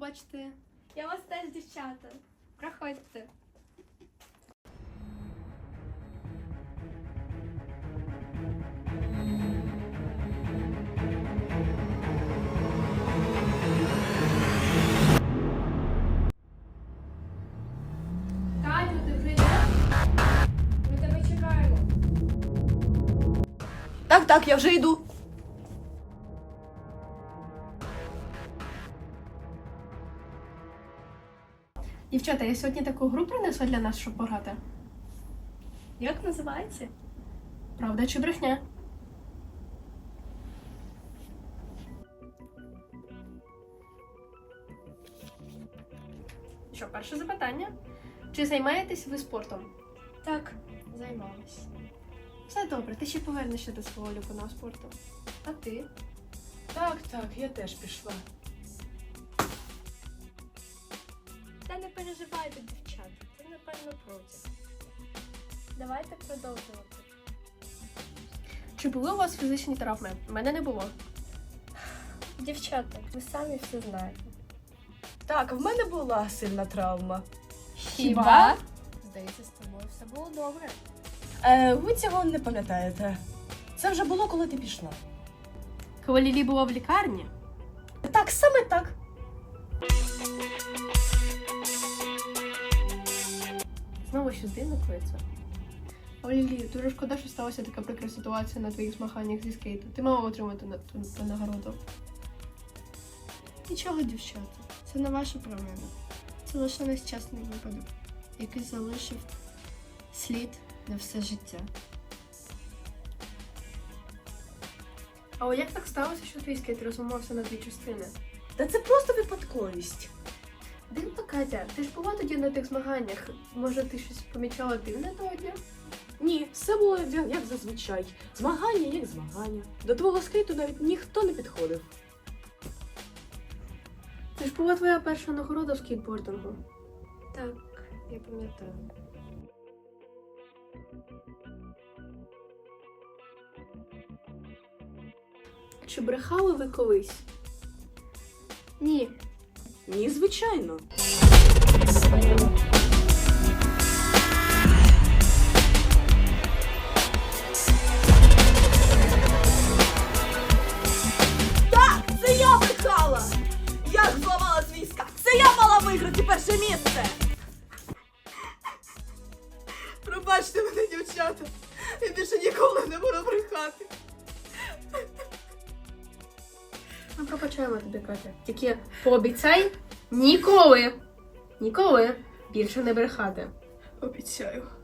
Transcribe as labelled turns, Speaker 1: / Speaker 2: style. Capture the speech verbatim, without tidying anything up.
Speaker 1: побачити. Я вас теж, дівчата. Проходьте. Катю, ти вже йдеш? Ми тебе чекаємо.
Speaker 2: Так, так, я вже йду.
Speaker 1: Дівчата, я сьогодні таку гру принесла для нас, щоб пограти. Як називається? Правда чи брехня? Що, перше запитання? Чи займаєтесь ви спортом?
Speaker 3: Так, займалась.
Speaker 1: Все добре, ти ще повернешся до свого улюбленого спорту. А ти?
Speaker 2: Так, так, я теж пішла.
Speaker 3: Та не переживайте, дівчата, це напевно проти. Давайте продовжувати.
Speaker 1: Чи були у вас фізичні травми? У мене не було.
Speaker 3: Дівчата, ви самі все знаєте.
Speaker 2: Так, в мене була сильна травма.
Speaker 1: Хіба?
Speaker 3: Здається, з тобою все було добре.
Speaker 2: Е, ви цього не пам'ятаєте. Це вже було, коли ти пішла.
Speaker 1: Коли Лілі була в лікарні?
Speaker 2: Так, саме так.
Speaker 1: Знову щось дивно коїться. О, Лілі, дуже шкода, що сталася така прикра ситуація на твоїх змаганнях зі скейту. Ти мала отримати на ту, ту нагороду.
Speaker 3: Нічого, дівчата, це не ваша провина. Це лише нещасний випадок, який залишив слід на все життя.
Speaker 1: А як так сталося, що твій скейт розламався на дві частини?
Speaker 2: Та це просто випадковість.
Speaker 1: Дивно, Катя, ти ж була тоді на тих змаганнях. Може, ти щось помічала дивне того дня?
Speaker 2: Ні, все було як як зазвичай. Змагання як змагання. До твого скейту навіть ніхто не підходив.
Speaker 1: Це ж була твоя перша нагорода в скейтбордингу.
Speaker 3: Так, я пам'ятаю.
Speaker 1: Чи брехали ви колись?
Speaker 3: Ні,
Speaker 2: Ні, звичайно. Так, це я брехала! Я ж зламала свій скат! Це я мала виграти перше місце! Пробачте мене, дівчата! Я більше ніколи не буду брехати!
Speaker 1: Ми пробачаємо тобі, Катя. Тільки пообіцяй ніколи, ніколи більше не брехати.
Speaker 2: Обіцяю.